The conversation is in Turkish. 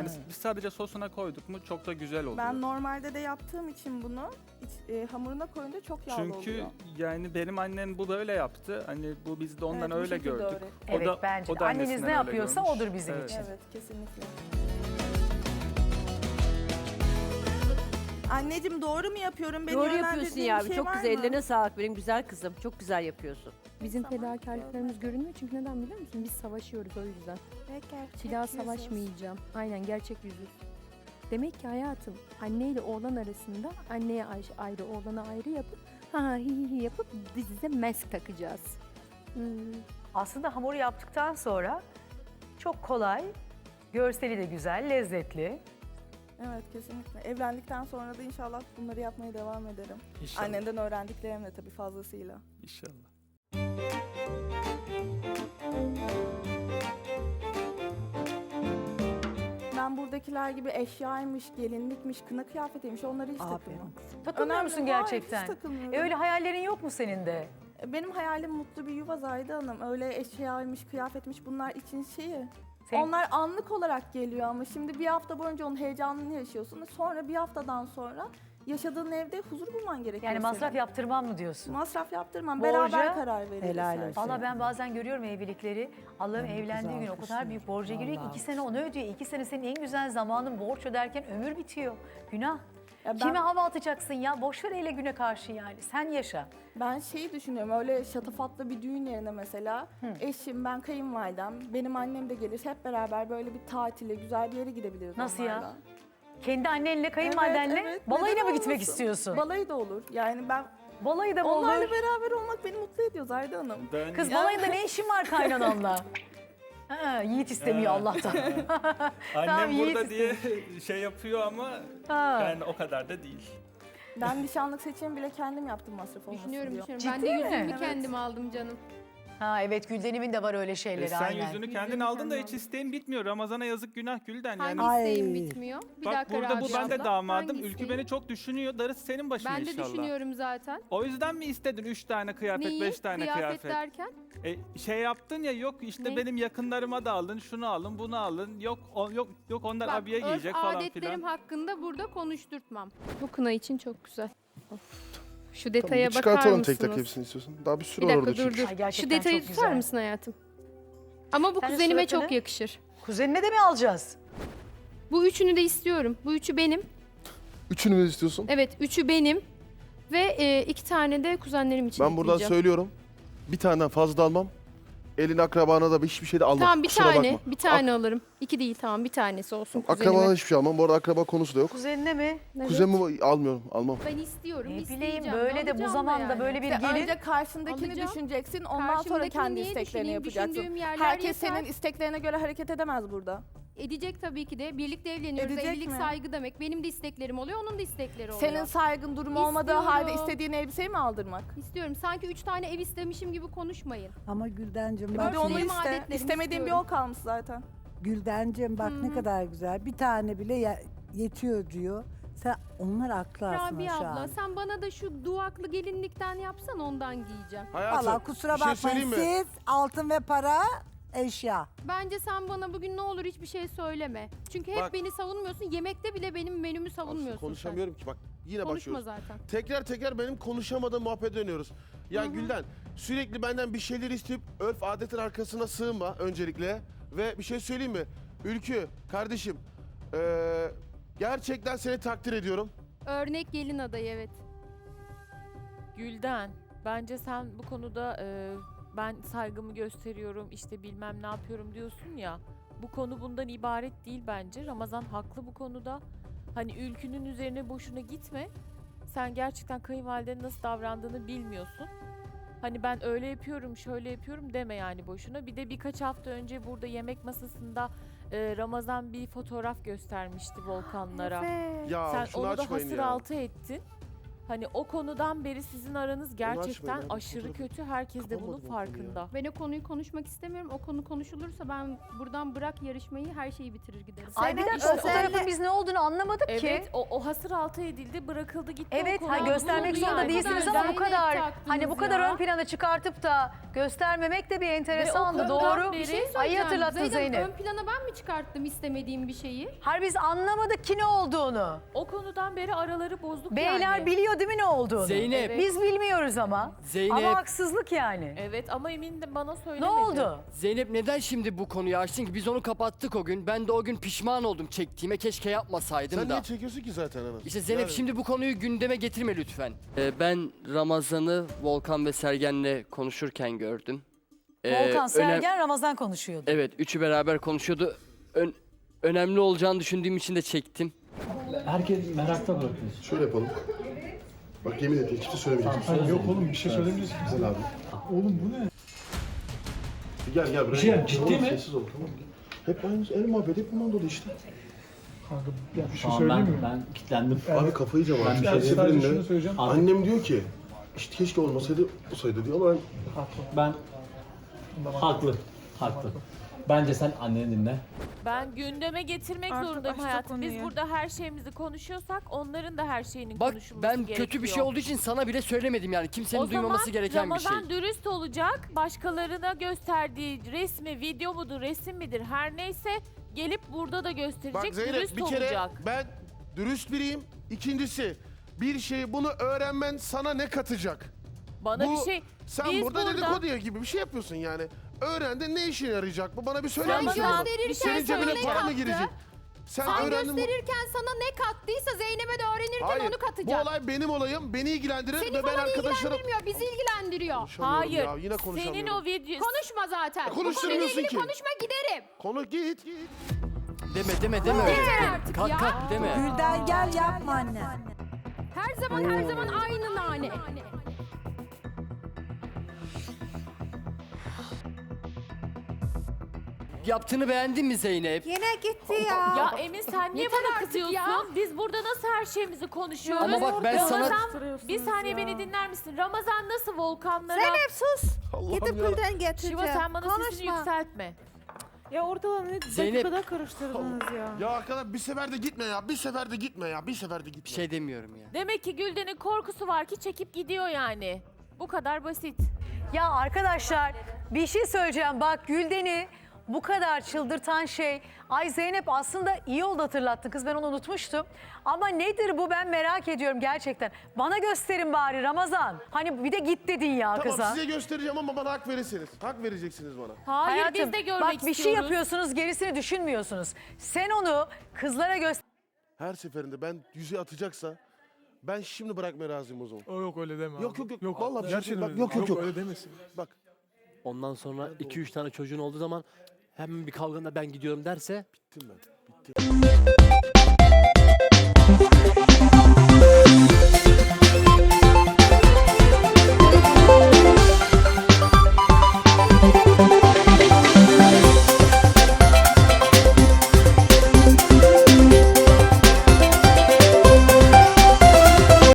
Yani biz sadece sosuna koyduk mu çok da güzel oluyor. Ben normalde de yaptığım için bunu hamuruna koyunca çok yağlı Çünkü oluyor. yani benim annem bu böyle yaptı. Hani bu biz de ondan Evet, bu öyle şekilde gördük. öğrettim. Evet, bence de. Anneniz annesinden ne öyle yapıyorsa görmüş. odur bizim Evet. için. Evet, kesinlikle. Anneciğim doğru mu yapıyorum? Beni Doğru yapıyorsun yönlendirdiğin ya. bir şey Çok var güzel. mı? Ellerine sağlık benim güzel kızım. Çok güzel yapıyorsun. Bizim Tamam, fedakarlıklarımız görünmüyor çünkü neden biliyor musun? Biz savaşıyoruz o yüzden. Bir daha savaşmayacağım. Aynen gerçek yüzüz. Demek ki hayatım anneyle oğlan arasında anneye ayrı oğlana ayrı yapıp ha hi yapıp dizize mask takacağız. Aslında hamuru yaptıktan sonra çok kolay, görseli de güzel, lezzetli. Evet, kesinlikle. Evlendikten sonra da inşallah bunları yapmaya devam ederim. İnşallah. Annemden öğrendiklerimle tabii fazlasıyla. İnşallah. Ben buradakiler gibi eşyaymış, gelinlikmiş, kına kıyafetiymiş onları hiç takılmam. Takılmıyor Önemli musun değil. Hayır, gerçekten? hiç takılmıyorum. Öyle hayallerin yok mu senin de? Benim hayalim mutlu bir yuva Zahide Hanım. Öyle eşyaymış, kıyafetmiş bunlar için şeyi. Senin- Onlar anlık olarak geliyor ama şimdi bir hafta boyunca onun heyecanını yaşıyorsun. Sonra bir haftadan sonra yaşadığın evde huzur bulman gerekiyor. Yani masraf senin. yaptırmam mı diyorsun? Masraf yaptırmam. Borca- Beraber karar veririz. Helal her olsun. şeye. Valla ben bazen görüyorum evlilikleri. Allah'ım Ben bu evlendiği kızı gün o kadar alkışlıyorum. büyük borca giriyor ki Vallahi 2 sene onu ödüyor. 2 sene senin en güzel zamanın borç öderken ömür bitiyor. Günah. Ya ben, Kime hava atacaksın ya? Boş ver hele güne karşı yani. Sen yaşa. ben şeyi düşünüyorum öyle şatafatlı bir düğün yerine mesela eşim, ben kayınvalidem, benim annem de gelir hep beraber böyle bir tatile, güzel bir yere gidebiliriz Nasıl ya? onlarla. Kendi annenle, kayınvalidenle evet, balayına neden mı gitmek olmasın? istiyorsun? Balayı da olur. Yani ben Balayı da mı onlarla olur? beraber olmak beni mutlu ediyor Zahide Hanım. Ben Kız balayında ne işin var kaynananla? Ha, Yiğit istemiyor Allah'tan. annem Yiğit burada diye şey yapıyor ama Ha. yani o kadar da değil. Ben nişanlık seçimi bile kendim yaptım masraf olmasın Düşünüyorum diyor. düşünüyorum. Ciddi Ben de mi? yüzümü Evet. kendim aldım canım. Ha evet Gülden'imin de var öyle şeyleri Sen aynen. yüzünü kendin Yüzünü aldın da kendim hiç aldım. isteğin bitmiyor. Ramazana yazık günah Gülden. Yani Hangi Ay. isteğim bitmiyor? Bir bak dakika burada bu Rabia ben de abla. damadım. Hangi Ülkü isteğim? beni çok düşünüyor. Darısı senin başına Ben de inşallah. düşünüyorum zaten. O yüzden mi istedin 3 tane kıyafet, Neyi? 5 tane kıyafet? derken? Şey yaptın ya yok işte Ne? benim yakınlarıma da alın, şunu alın, bunu alın. Yok yok onlar Bak, abiye örf giyecek falan adetlerim filan. hakkında burada konuşturtmam. Bu kına için çok güzel. Şu Tamam, detaya bir bakar çıkartalım mısınız? tek tek hepsini istiyorsan. Daha bir sürü Bir var dakika orada dur çünkü. dur. Ay, Şu gerçekten detayı çok tutar güzel. mısın hayatım? Ama bu Sen de kuzenime suratını- çok yakışır. Kuzenine de mi alacağız? Bu üçünü de istiyorum. Bu üçü benim. Üçünü mü istiyorsun? Evet, üçü benim. Ve 2 tane de kuzenlerim için Ben buradan ekleyeceğim. söylüyorum. Bir tane fazla da almam. Elin akrabana da hiçbir şey de almam. Tamam bir Kusura tane, bakma. bir tane alırım. 2 değil tamam bir tanesi olsun kuzenime. Akrabana hiçbir şey almam. Bu arada akraba konusu da yok. Kuzenine mi? Evet. Kuzenimi almıyorum, almam. Ben istiyorum, Ne isteyeceğim. bileyim böyle de bu alacağım da zamanda yani. böyle bir İşte gelin. önce karşındakini Alacağım. düşüneceksin, ondan sonra Karşımdakini kendi niye isteklerini düşüneyim? yapacaksın. Düşündüğüm yerler Herkes yeter. senin isteklerine göre hareket edemez burada. Edecek tabii ki de. Birlikte evleniyoruz. Edecek Evlilik mi? saygı demek. Benim de isteklerim oluyor, onun da istekleri oluyor. Senin saygın durumu olmadığı halde İstiyorum. istediğin elbiseyi mi aldırmak? İstiyorum. Sanki 3 tane ev istemişim gibi konuşmayın. Ama Güldencim Bir bak de onu benim iste. adetlerimi İstemediğin bir istiyorum. yol kalmış zaten. Güldencim bak ne kadar güzel. Bir tane bile yetiyor diyor. Sen onlar haklı aslında Rabia şu abla an. sen bana da şu duvaklı gelinlikten yapsan ondan giyeceğim. Hayatım, Valla kusura bir şey bakmayın söyleyeyim mi? siz altın ve para eşya. Bence sen bana bugün ne olur hiçbir şey söyleme. Çünkü hep Bak- beni savunmuyorsun. Yemekte bile benim menümü savunmuyorsun Aslında konuşamıyorum ki bak. Yine sen. Konuşma başlıyoruz. zaten. Tekrar benim konuşamadığım muhabbete dönüyoruz. Ya Gülden sürekli benden bir şeyler isteyip örf adetin arkasına sığınma öncelikle. Ve bir şey söyleyeyim mi? Ülkü kardeşim gerçekten seni takdir ediyorum. Örnek gelin adayı evet. Gülden, bence sen bu konuda ben saygımı gösteriyorum, işte bilmem ne yapıyorum diyorsun ya. Bu konu bundan ibaret değil bence. Ramazan haklı bu konuda. Hani ülkünün üzerine boşuna gitme. Sen gerçekten kayınvalidenin nasıl davrandığını bilmiyorsun. Hani ben öyle yapıyorum, şöyle yapıyorum deme yani boşuna. Bir de birkaç hafta önce burada yemek masasında Ramazan bir fotoğraf göstermişti volkanlara. Ya Sen şunu onu da açmayın hasır ya. altı ettin. Hani o konudan beri sizin aranız gerçekten açmayın abi, aşırı fotoğrafı. kötü. Herkes de bunun Kapamadım o konuyu ya. farkında. Ben o konuyu konuşmak istemiyorum. O konu konuşulursa ben buradan bırak yarışmayı, her şeyi bitirir giderim. Ay bir dakika o fotoğrafın biz ne olduğunu anlamadık ki. Evet, o hasır altı edildi, bırakıldı gitti. Evet, o ha, konu. göstermek Bulundu zorunda yani. değilsiniz ama bu Zeynep kadar taktınız hani bu kadar ya. ön plana çıkartıp da göstermemek de bir enteresandı. konudan Doğru. beri- Bir şey Ayı söyleyeceğim. hatırlattın Zeynep. Ön plana ben mi çıkarttım istemediğim bir şeyi? Hayır biz anlamadık ki ne olduğunu. O konudan beri araları bozduk Beyler yani. biliyor değil mi ne olduğunu? Zeynep. Evet. Biz bilmiyoruz ama. Zeynep. Ama haksızlık yani. Evet ama emin de bana Ne söylemedi. oldu? Zeynep neden şimdi bu konuyu açtın ki? Biz onu kapattık o gün. Ben de o gün pişman oldum çektiğime. Keşke yapmasaydım Sen da. niye çekiyorsun ki zaten Anas? İşte Zeynep Yani- şimdi bu konuyu gündeme getirme lütfen. Ben Ramazan'ı Volkan ve Sergen'le konuşurken gördüm. Volkan, önem- Sergen, Ramazan konuşuyordu. Evet, üçü beraber konuşuyordu. Önemli olacağını düşündüğüm için de çektim. Herkes merakta bırakıyorsun. Şöyle yapalım. Bak yemin et hiçbir şey söylemeyeceğim. Hayır, yok oğlum bir şey söylemeyeceksin. Güzel abi. Oğlum bu ne? Gel buraya. Bir şey ciddi Tamam, mi? Sessiz ol tamam. Hep aynı el muhabbet hep bundan dolayı işte. Kanka ya bir şey söyleyeyim mi? Ben kilitlendim. Abi kafayı yiyeceğim Ben artık. bir Her şey sadece şunu seferinde söyleyeceğim. annem diyor ki işte keşke olmasaydı olsaydı diyor ama ben Ben haklı. Haklı. Bence sen anneni dinle. Ben gündeme getirmek Artık zorundayım açtık hayatım. Biz konuyu. burada her şeyimizi konuşuyorsak onların da her şeyinin Bak konuşulması ben gerekiyor. kötü bir şey olduğu için sana bile söylemedim yani. Kimsenin duymaması gereken bir şey. Ramazan dürüst olacak. Başkalarına gösterdiği resmi, video mudur, resim midir her neyse gelip burada da gösterecek. bak Zeynep dürüst bir kere olacak. ben dürüst biriyim. İkincisi bir şeyi bunu öğrenmen sana ne katacak? Bana bu- bir şey... Sen Biz burada burada- dedikodu gibi bir şey yapıyorsun yani. Öğrendin ne işine yarayacak bu? Bana bir söyler misin? Ramazan, bunu? bir Senin şey cebine söyle. para mı girecek? Sen öğrendin mi? sana ne kattıysa Zeynep'e de öğrenirken Hayır. Bu olay benim olayım. Beni ilgilendirir ve ben arkadaşlarım... bizi ilgilendiriyor. Konuşamıyorum Hayır, ya, yine konuşamıyorum. senin o video... Konuşma zaten. Konuşturmuyorsun ki. giderim. Konu git. Deme öyle. artık Kalk ya. kalk deme. Gülden gel yapma anne. Her zaman aynı nane. Yaptığını beğendin mi Zeynep? Yine gitti ya. Ya Emin sen niye Yeter bana artık kızıyorsun? ya. Biz burada nasıl her şeyimizi konuşuyoruz? Ama bak ben sana... Ramazan, bir saniye beni dinler misin? Ramazan nasıl volkanlara... Zeynep sus. Allah'ım Gidip ya. Gülden getireceğim. Şiva sen bana sesini Konuşma. yükseltme. Ya ortalığı ne Zeynep- dakikada karıştırdınız ya. Ya arkadaş bir sefer de gitme ya. Bir sefer de gitme ya. Bir sefer de gitme. Bir şey demiyorum ya. Demek ki Gülden'in korkusu var ki çekip gidiyor yani. Bu kadar basit. Ya arkadaşlar bir şey söyleyeceğim. Bak Gülden'i bu kadar çıldırtan şey. Ay Zeynep aslında iyi oldu hatırlattın kız, ben onu unutmuştum. Ama nedir bu, ben merak ediyorum gerçekten. Bana gösterin bari Ramazan. Hani bir de git dedin ya Tamam kıza. size göstereceğim ama bana hak verirsiniz. Hak vereceksiniz bana. Hayır Hayatım, biz de görmek bak istiyoruz. bir şey yapıyorsunuz gerisini düşünmüyorsunuz. Sen onu kızlara göster. Her seferinde ben yüzüğü atacaksa ben şimdi bırakmaya razıyım o zaman. Yok öyle deme Yok abi. yok yok. Vallahi bir şey Gerçekten bak, öyle yok deme. yok yok. öyle demesin. Bak Ondan sonra 2-3 tane çocuğun olduğu zaman hemen bir kavganda ben gidiyorum derse bittim ben. Bittim.